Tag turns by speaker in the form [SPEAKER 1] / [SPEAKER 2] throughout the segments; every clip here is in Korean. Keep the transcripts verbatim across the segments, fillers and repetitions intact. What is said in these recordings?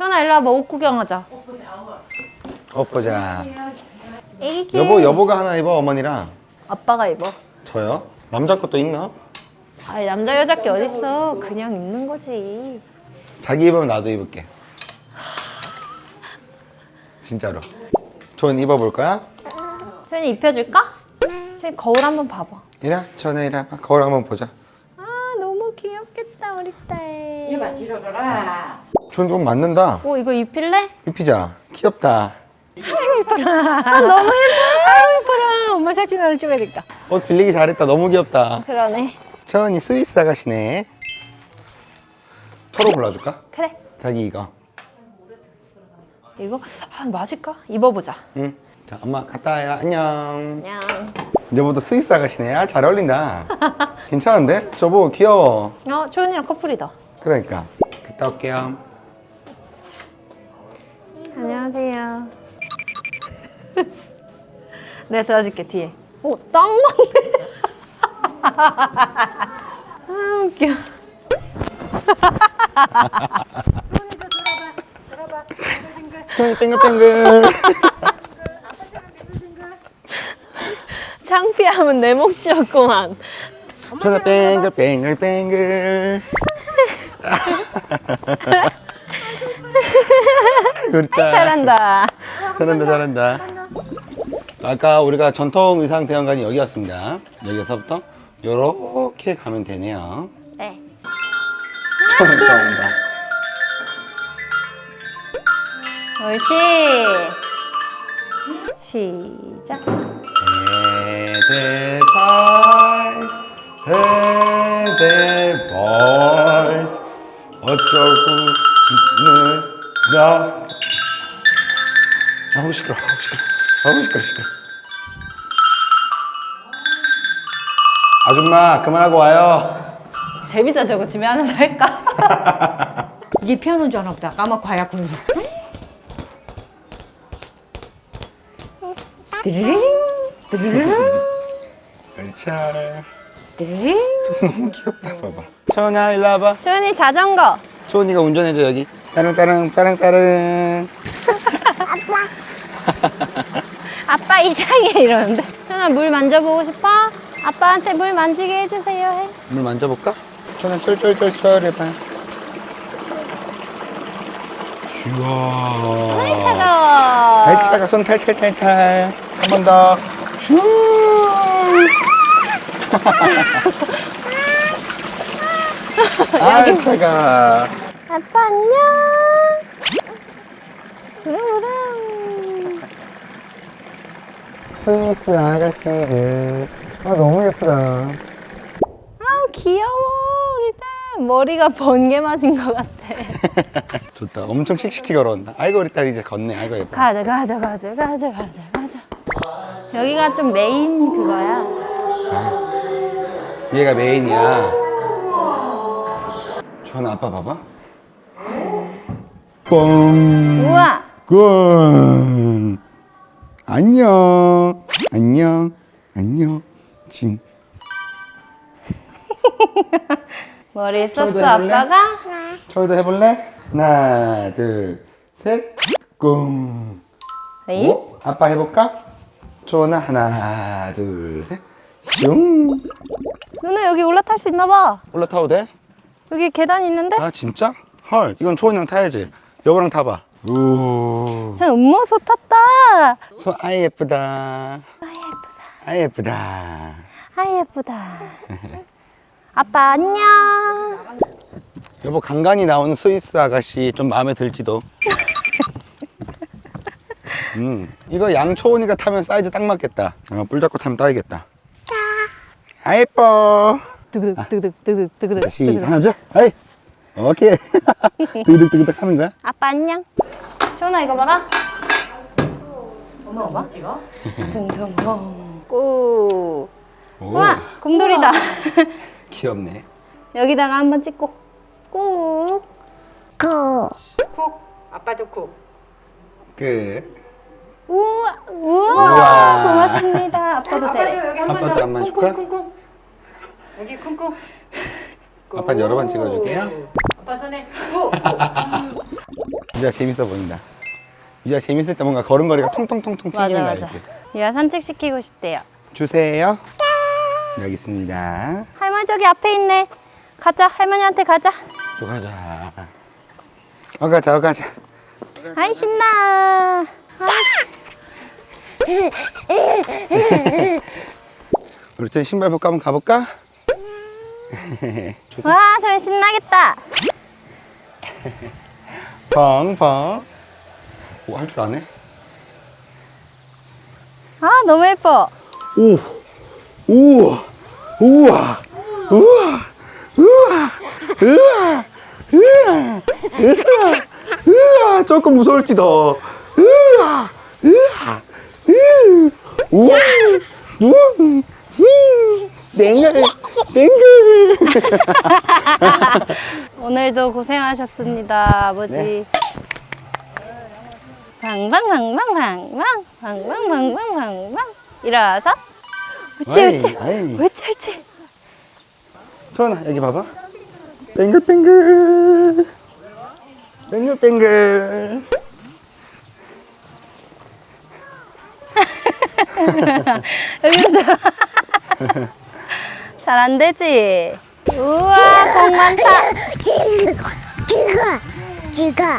[SPEAKER 1] 현아 일로 와봐. 옷 구경하자.
[SPEAKER 2] 옷 보자.
[SPEAKER 1] 애기
[SPEAKER 2] 여보, 여보가 하나 입어, 어머니랑.
[SPEAKER 1] 아빠가 입어.
[SPEAKER 2] 저요? 남자 것도 있나?
[SPEAKER 1] 아니 남자 여자 게 어딨어. 그냥 입는 거지.
[SPEAKER 2] 자기 입으면 나도 입을게. 진짜로. 전 입어볼 거야?
[SPEAKER 1] 저희 입혀줄까? 저희 거울 한번 봐봐.
[SPEAKER 2] 이리 전에 이리 와봐. 거울 한번 보자.
[SPEAKER 1] 아 너무 귀엽겠다 우리 딸.
[SPEAKER 3] 이봐 뒤로 돌아.
[SPEAKER 2] 전 좀 맞는다.
[SPEAKER 1] 오 이거 입힐래?
[SPEAKER 2] 입히자. 귀엽다.
[SPEAKER 1] 아 너무 예뻐.
[SPEAKER 3] 아유 이뻐라. 엄마 사진을 찍어야 되겠다.
[SPEAKER 2] 옷 빌리기 잘했다. 너무 귀엽다.
[SPEAKER 1] 그러네.
[SPEAKER 2] 천이 스위스 아가씨네. 서로 골라줄까?
[SPEAKER 1] 그래.
[SPEAKER 2] 자기 이거.
[SPEAKER 1] 이거 아 맞을까? 입어보자.
[SPEAKER 2] 응. 자, 엄마 갔다 와요. 안녕.
[SPEAKER 1] 안녕.
[SPEAKER 2] 여보도 스위스 아가씨네. 아, 잘 어울린다. 괜찮은데? 저보 귀여워.
[SPEAKER 1] 어 초연이랑 커플이다.
[SPEAKER 2] 그러니까. 갔다 올게요.
[SPEAKER 1] 안녕하세요. 내가 도와줄게 뒤에. 오, 딱 맞네. 아 웃겨.
[SPEAKER 2] 땡글땡글.
[SPEAKER 1] 창피하면 내 몫이었구만.
[SPEAKER 2] 전화 뱅글뱅글뱅글. 우리 딸.
[SPEAKER 1] 잘한다.
[SPEAKER 2] 잘한다 잘한다. 아까 우리가 전통 의상 대형관이 여기였습니다. 여기서부터 요렇게 가면 되네요.
[SPEAKER 1] 네.
[SPEAKER 2] 잘한다.
[SPEAKER 1] 옳지. 시작.
[SPEAKER 2] 애들 boys, 애들 boys, 어쩌고는 나. 아우 시끄러, 아우 시끄러, 아우 시끄러, 시끄러. 아줌마 그만하고 와요.
[SPEAKER 1] 재밌다 저거 집에 하나 살까?
[SPEAKER 3] 이게 피아노인 줄 아나 보다. 까맣고 하얗고 그래서. 드르릉 드르릉
[SPEAKER 2] 열차.
[SPEAKER 3] 드르릉.
[SPEAKER 2] 너무 귀엽다 봐봐. 천아 일로 와봐.
[SPEAKER 1] 초연이 자전거.
[SPEAKER 2] 초은이가 운전해줘 여기. 따릉 따릉 따릉 따릉.
[SPEAKER 1] 아빠 이상해 이러는데. 현아 물 만져보고 싶어? 아빠한테 물 만지게 해주세요 해.
[SPEAKER 2] 물 만져볼까? 천아 쫄쫄쫄쫄 해봐. 우와.
[SPEAKER 1] 아이 차가워.
[SPEAKER 2] 아이 차가 손 탈탈탈탈. 한 번 더. 슈. 아이 차가.
[SPEAKER 1] 아빠 안녕. 우렁우렁.
[SPEAKER 2] 스위스 아가씨들. 아 너무 예쁘다.
[SPEAKER 1] 아 귀여워 우리 딸. 머리가 번개 맞은 것 같아.
[SPEAKER 2] 좋다. 엄청 씩씩히 걸어온다. 아이고 우리 딸 이제 걷네. 아이고 예뻐.
[SPEAKER 1] 가자 가자 가자 가자 가자 가자. 여기가 좀 메인 그거야.
[SPEAKER 2] 얘가 메인이야. 전 아빠 봐봐. 뻥.
[SPEAKER 1] 우와.
[SPEAKER 2] 꽝. 안녕. 안녕. 안녕. 징.
[SPEAKER 1] 머리 썼어
[SPEAKER 2] 저도 해볼래?
[SPEAKER 1] 아빠가?
[SPEAKER 2] 저희도 해볼래? 하나, 둘, 셋. 꿍.
[SPEAKER 1] 에이?
[SPEAKER 2] 오? 아빠 해볼까? 조나 하나, 둘, 셋. 슝.
[SPEAKER 1] 누나 여기 올라탈 수 있나 봐.
[SPEAKER 2] 올라타도 돼?
[SPEAKER 1] 여기 계단 있는데?
[SPEAKER 2] 아 진짜? 헐, 이건 초은이랑 타야지. 여보랑 타봐. 오.
[SPEAKER 1] 전 음모소 탔다.
[SPEAKER 2] 손 아이 예쁘다.
[SPEAKER 1] 아 예쁘다.
[SPEAKER 2] 아이 예쁘다.
[SPEAKER 1] 아 예쁘다. 아빠 안녕.
[SPEAKER 2] 여보 간간히 나오는 스위스 아가씨 좀 마음에 들지도. 음, 이거 양초은이가 타면 사이즈 딱 맞겠다. 어, 뿔 잡고 타면 따이겠다. 아 예뻐.
[SPEAKER 1] 뜨그득 뜨그득 뜨그득 뜨그득.
[SPEAKER 2] 다시
[SPEAKER 1] 뜨그득.
[SPEAKER 2] 하나 둘, 아이. 오케이. 뜨그득뜨그득 하는 거야?
[SPEAKER 1] 아빠 안녕. 조나 이거 봐라.
[SPEAKER 3] 엄마 엄마 찍어?
[SPEAKER 1] 둥둥둥. 꾸.
[SPEAKER 2] 오,
[SPEAKER 1] 우와 곰돌이다.
[SPEAKER 2] 귀엽네.
[SPEAKER 1] 여기다가 한번 찍고. 꾹. 꾹.
[SPEAKER 3] 쿡. 아빠도 쿡.
[SPEAKER 2] 끝.
[SPEAKER 1] 우와. 우와.
[SPEAKER 2] 우와.
[SPEAKER 1] 고맙습니다. 아빠도 돼.
[SPEAKER 3] 여기 한 번
[SPEAKER 2] 아빠도
[SPEAKER 3] 더.
[SPEAKER 2] 한 번 줄까?
[SPEAKER 3] 쿵쿵쿵쿵. 여기 쿵쿵.
[SPEAKER 2] 아빠 여러 번 찍어줄게요.
[SPEAKER 3] 아빠 손에 쿡.
[SPEAKER 2] 이제 유주야 재밌어 보인다. 유주야 재밌을 때 뭔가 걸음걸이가 통통통통
[SPEAKER 1] 맞아,
[SPEAKER 2] 튀긴다.
[SPEAKER 1] 맞아.
[SPEAKER 2] 이렇게.
[SPEAKER 1] 유아 산책시키고 싶대요.
[SPEAKER 2] 주세요. 여기 있습니다.
[SPEAKER 1] 할머니 저기 앞에 있네. 가자, 할머니한테 가자.
[SPEAKER 2] 또 가자. 어 가자, 어 가자.
[SPEAKER 1] 아이, 신나.
[SPEAKER 2] 우리 또 신발 벗고 한번 가볼까?
[SPEAKER 1] 와, 저기 신나겠다.
[SPEAKER 2] 펑펑. 오, 할 줄 아네?
[SPEAKER 1] 아, 너무 예뻐.
[SPEAKER 2] 오, 우와, 우와, 우와, 우와, 우와, 우와, 우와, 우와, 조금 무서울지도. 우와, 우와, 우와, 우와, 우와, 뱅글, 뱅글.
[SPEAKER 1] 오늘도 고생하셨습니다, 아버지.
[SPEAKER 2] 네.
[SPEAKER 1] 방방방방방방 방방방방방방 일어서 옳지
[SPEAKER 2] 아이,
[SPEAKER 1] 옳지
[SPEAKER 2] 아이.
[SPEAKER 1] 옳지 옳지.
[SPEAKER 2] 소연아 여기 봐봐. 뱅글뱅글 뱅글뱅글.
[SPEAKER 1] 여기서 잘 안 되지. 우와, 공 많다.
[SPEAKER 4] 지가 지가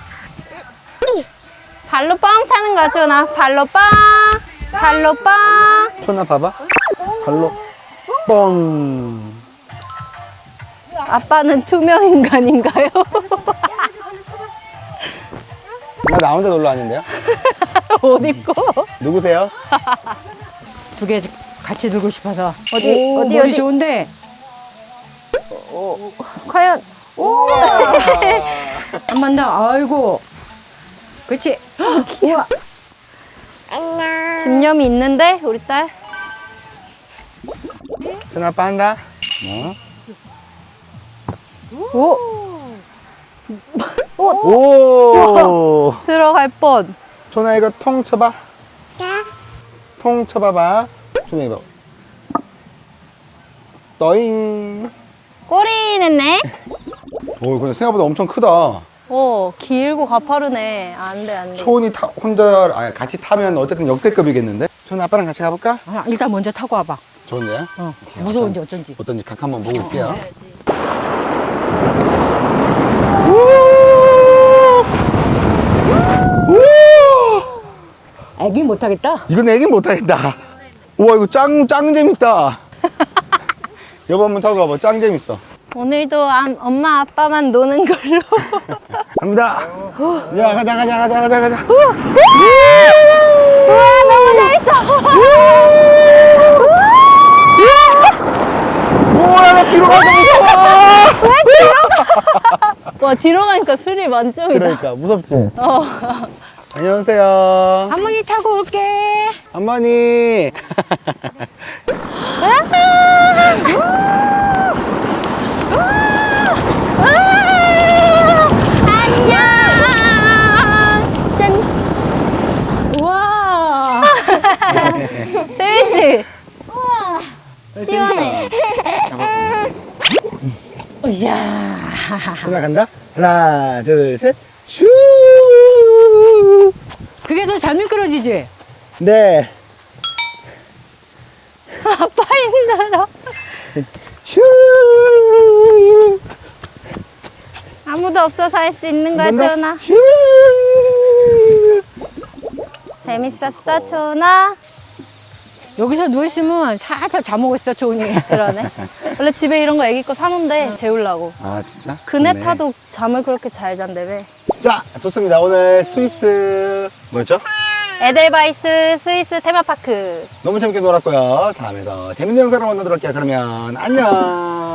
[SPEAKER 1] 발로 뻥 차는 거야, 주원아. 발로 뻥, 발로 뻥.
[SPEAKER 2] 소연아 봐봐. 발로 뻥.
[SPEAKER 1] 아빠는 투명 인간인가요?
[SPEAKER 2] 나 나 혼자 놀러 왔는데요.
[SPEAKER 1] 옷 입고.
[SPEAKER 2] 누구세요?
[SPEAKER 3] 두 개 같이 들고 싶어서.
[SPEAKER 1] 어디,
[SPEAKER 3] 오,
[SPEAKER 1] 어디,
[SPEAKER 3] 머리
[SPEAKER 1] 어디?
[SPEAKER 3] 좋은데.
[SPEAKER 1] 과연. 오.
[SPEAKER 3] 한 번 더. 아이고. 그렇지. 우와.
[SPEAKER 1] 집념이 있는데, 우리 딸.
[SPEAKER 2] 소연아 아빠 한다. 어?
[SPEAKER 1] 오.
[SPEAKER 2] 오.
[SPEAKER 1] 들어갈 뻔.
[SPEAKER 2] 소연아 이거 통 쳐봐. 통 쳐봐봐. 소연아 이거. 떠잉.
[SPEAKER 1] 꼬리 냈네.
[SPEAKER 2] 오 근데 생각보다 엄청 크다.
[SPEAKER 1] 오, 길고 가파르네. 안 돼, 안 돼.
[SPEAKER 2] 초은이 타, 혼자 아니, 같이 타면 어쨌든 역대급이겠는데? 저는 아빠랑 같이 가볼까?
[SPEAKER 3] 아, 일단 먼저 타고 와봐.
[SPEAKER 2] 좋은데요?
[SPEAKER 3] 어.
[SPEAKER 2] 오케이,
[SPEAKER 3] 무서운지
[SPEAKER 2] 어떤-
[SPEAKER 3] 어쩐지.
[SPEAKER 2] 어떤지 각 한번 보고 올게요.
[SPEAKER 3] 애기 못 타겠다.
[SPEAKER 2] 이건 애긴 못하겠다. 우와 이거 짱, 짱 재밌다. 여보 한번 타고 가봐. 짱 재밌어.
[SPEAKER 1] 오늘도 암- 엄마, 아빠만 노는 걸로.
[SPEAKER 2] 갑니다. 야 가자 가자 가자 가자 가자.
[SPEAKER 1] 우와, 너무 재밌어.
[SPEAKER 2] 우와 나 뒤로 가서 무서워.
[SPEAKER 1] 왜 뒤로 가? 와, 뒤로 가니까 스릴 만점이다.
[SPEAKER 2] 그러니까 무섭지?
[SPEAKER 1] 어.
[SPEAKER 2] 안녕하세요.
[SPEAKER 3] 할머니 타고 올게.
[SPEAKER 2] 어머니.
[SPEAKER 1] 안녕. 짠.
[SPEAKER 3] 우와.
[SPEAKER 1] 재밌지? 시원해.
[SPEAKER 3] 으쌰.
[SPEAKER 2] 하나 간다. 하나 둘 셋. 슈.
[SPEAKER 3] 그게 더 잘 미끄러지지?
[SPEAKER 2] 네.
[SPEAKER 1] 아빠 힘들어.
[SPEAKER 2] 슈.
[SPEAKER 1] 아무도 없어서 할 수 있는 거야,
[SPEAKER 2] 한번 더.
[SPEAKER 1] 초나.
[SPEAKER 2] 슈.
[SPEAKER 1] 재밌었어, 초나.
[SPEAKER 3] 여기서 누워있으면 살살 잠오고 있어, 조은이.
[SPEAKER 1] 그러네. 원래 집에 이런 거 애기 거 사놓은데 재우려고.
[SPEAKER 2] 아 진짜?
[SPEAKER 1] 그네
[SPEAKER 2] 좋네.
[SPEAKER 1] 타도 잠을 그렇게 잘 잔다며.
[SPEAKER 2] 자 좋습니다. 오늘 스위스 뭐였죠?
[SPEAKER 1] 에델바이스 스위스 테마파크.
[SPEAKER 2] 너무 재밌게 놀았고요. 다음에 더 재밌는 영상으로 만나도록 할게요. 그러면 안녕.